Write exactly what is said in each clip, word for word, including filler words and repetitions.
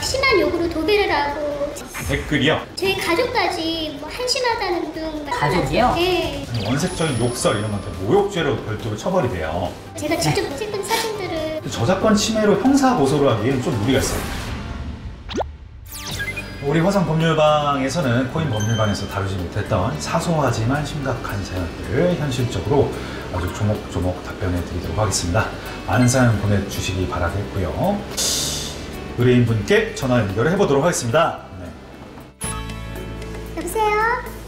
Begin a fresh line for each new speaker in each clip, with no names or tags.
심한 욕으로 도배를 하고
댓글이요?
저희 가족까지 뭐 한심하다는 등
가족이요?
네.
원색적인 욕설 이런 것들 모욕죄로 별도로 처벌이 돼요.
제가 직접 찍은 사진들을
저작권 침해로 형사 고소를 하기에는 좀 무리가 있어요. 우리 화성 법률방에서는 코인 법률방에서 다루지 못했던 사소하지만 심각한 사연들을 현실적으로 아주 조목조목 답변해 드리도록 하겠습니다. 많은 사연 보내주시기 바라겠고요. 의뢰인분께 전화 연결을 해보도록 하겠습니다. 네.
여보세요?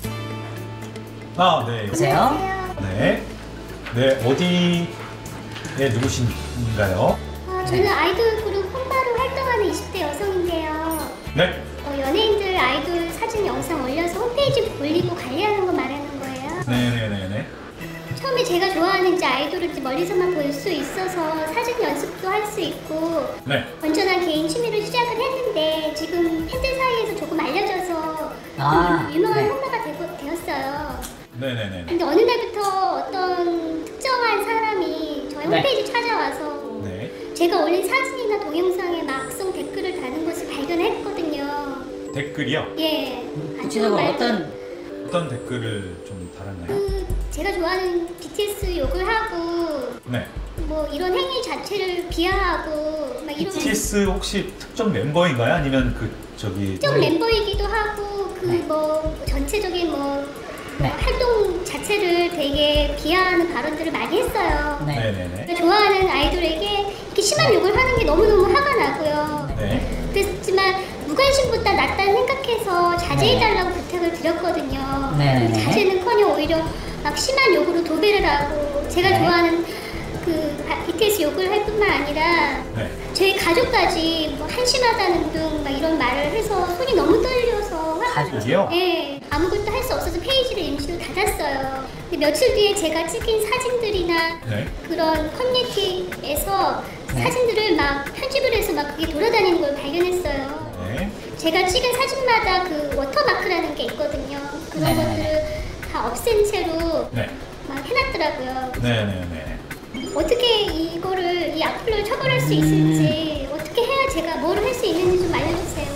아, 네.
여보세요?
네. 네, 어디에 누구신가요?
어, 저는 아이돌 그룹 홈바로 활동하는 이십 대 여성인데요.
네.
어, 연예인들 아이돌 사진 영상 올려서 홈페이지 올리고 관리하는 거 말하는 거예요.
네네네네.
처음에 제가 좋아하는 이제 아이돌을 많이서만 볼 수 있어서 사진 연습도 할 수 있고
네.
건전한 개인 취미로 시작을 했는데 지금 팬들 사이에서 조금 알려져서
아,
유명한
네.
홈바가 되고, 되었어요.
네네네.
근데 어느 날부터 어떤 특정한 사람이 저희
네.
홈페이지 찾아와서
네.
제가 올린 사진이나 동영상에 막성 댓글을 다는 것을 발견했거든요.
댓글이요?
예.
구체적으로
아주
어떤
어떤 댓글을 좀 달았나요?
그 제가 좋아하는 비티에스 욕을 하고
네.
뭐 이런 행위 자체를 비하하고 막 이런
비티에스 혹시 특정 멤버인가요? 아니면 그 저기
특정 멤버이기도 하고 그
네.
뭐 전체적인 뭐
네.
활동 자체를 되게 비하하는 발언들을 많이 했어요.
네.
네네네.
제가 좋아하는 아이돌에게 이렇게 심한 욕을 하는 게 너무너무 화가 나고요.
네.
그렇지만 무관심보다 낫다는 생각해서 자제해달라고 부탁을 드렸거든요.
네네네.
자제는커녕 오히려 막 심한 욕으로 도배를 하고 제가
네.
좋아하는 그 비티에스 욕을 할 뿐만 아니라
네.
저희 가족까지 뭐 한심하다는 등 막 이런 말을 해서 손이 너무 떨려서
가족이요?
네, 아무것도 할 수 없어서 페이지를 임시로 닫았어요. 근데 며칠 뒤에 제가 찍힌 사진들이나
네.
그런 커뮤니티에서
네.
사진들을 막 편집을 해서 막 그게 돌아다니는 걸 발견했어요.
네.
제가 찍은 사진마다 그 워터마크라는 게 있거든요. 그런
네.
것들을 다 없앤 채로
네.
막 해놨더라고요.
네네네.
어떻게 이거를 이 악플을 처벌할 수 있을지 어떻게 해야 제가 뭘 할 수 있는지 좀 알려주세요.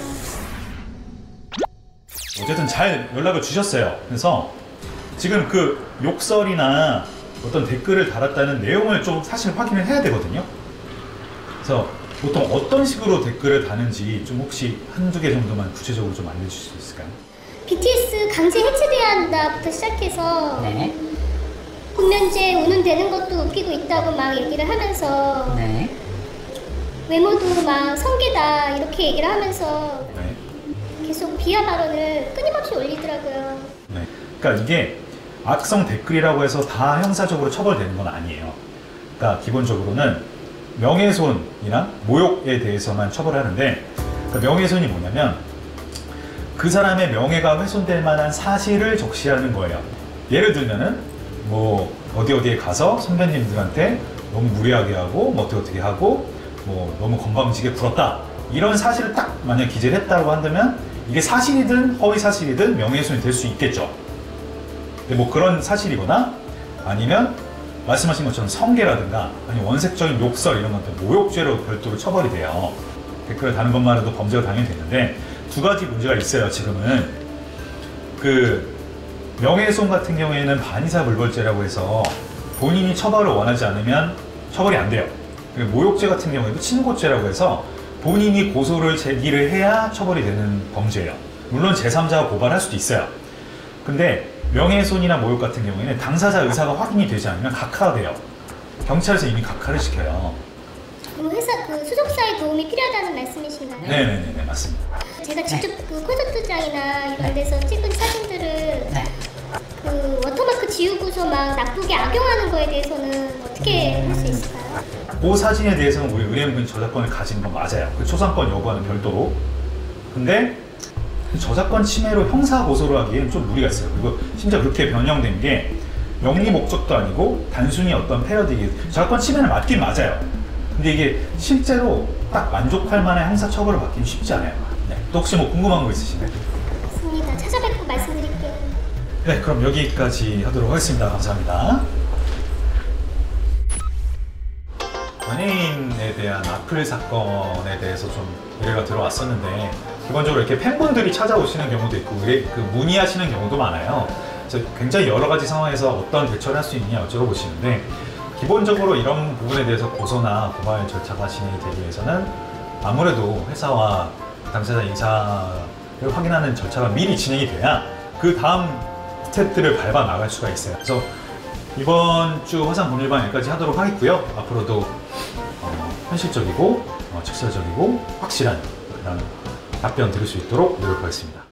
어쨌든 잘 연락을 주셨어요. 그래서 지금 그 욕설이나 어떤 댓글을 달았다는 내용을 좀 사실 확인을 해야 되거든요. 그래서 보통 어떤 식으로 댓글을 다는지 좀 혹시 한두 개 정도만 구체적으로 좀 알려주실 수 있을까요?
비티에스 강제 해체돼야 한다부터 시작해서
네.
군면제 운운되는 것도 웃기고 있다고 막 얘기를 하면서
네.
외모도 막 성계다 이렇게 얘기를 하면서
네.
계속 비하 발언을 끊임없이 올리더라고요.
네. 그러니까 이게 악성 댓글이라고 해서 다 형사적으로 처벌되는 건 아니에요. 그러니까 기본적으로는 명예훼손이나 모욕에 대해서만 처벌하는데, 그러니까 명예훼손이 뭐냐면 그 사람의 명예가 훼손될 만한 사실을 적시하는 거예요. 예를 들면은 뭐 어디 어디에 가서 선배님들한테 너무 무례하게 하고 뭐 어떻게 어떻게 하고 뭐 너무 건방지게 굴었다, 이런 사실을 딱 만약 기재를 했다고 한다면 이게 사실이든 허위 사실이든 명예훼손이 될 수 있겠죠. 근데 뭐 그런 사실이거나 아니면 말씀하신 것처럼 성계라든가 아니면 원색적인 욕설 이런 것들 모욕죄로 별도로 처벌이 돼요. 댓글을 다는 것만 해도 범죄가 당연히 되는데 두 가지 문제가 있어요. 지금은 그 명예훼손 같은 경우에는 반의사불벌죄라고 해서 본인이 처벌을 원하지 않으면 처벌이 안 돼요. 그리고 모욕죄 같은 경우에도 친고죄라고 해서 본인이 고소를 제기를 해야 처벌이 되는 범죄예요. 물론 제삼자가 고발할 수도 있어요. 근데 명예훼손이나 모욕 같은 경우에는 당사자 의사가 확인이 되지 않으면 각하돼요. 경찰에서 이미 각하를 시켜요.
그럼 회사 그 소속사의 도움이 필요하다는 말씀이신가요?
네네네, 맞습니다.
제가 직접 그 콘서트장이나 이런 데서 찍은 사진들을
네.
그 워터마크 지우고서 막 나쁘게 악용하는 거에 대해서는 어떻게 할 수 있을까요?
그 사진에 대해서는 우리 의뢰인분이 저작권을 가지는 건 맞아요. 그 초상권 여부와는 별도로. 근데 저작권 침해로 형사 고소를 하기에는 좀 무리가 있어요. 그리고 심지어 그렇게 변형된 게 영리 목적도 아니고 단순히 어떤 패러디, 저작권 침해는 맞긴 맞아요. 근데 이게 실제로 딱 만족할 만한 형사 처벌을 받기는 쉽지 않아요. 네. 또 혹시 뭐 궁금한 거 있으신가요?
맞습니다. 찾아뵙고 말씀드릴게요.
네, 그럼 여기까지 하도록 하겠습니다. 감사합니다. 연예인에 대한 악플 사건에 대해서 좀 의뢰가 들어왔었는데 기본적으로 이렇게 팬분들이 찾아오시는 경우도 있고 의뢰, 그 문의하시는 경우도 많아요. 그래서 굉장히 여러 가지 상황에서 어떤 대처를 할 수 있냐 여쭤보시는데 기본적으로 이런 부분에 대해서 고소나 고발 절차가 진행이 되기 위해서는 아무래도 회사와 당사자 인사를 확인하는 절차가 미리 진행이 돼야 그 다음 스텝들을 밟아 나갈 수가 있어요. 그래서 이번 주 화상 법률방 여기까지 하도록 하겠고요. 앞으로도 어, 현실적이고 어, 직설적이고 확실한 그런 답변 드릴 수 있도록 노력하겠습니다.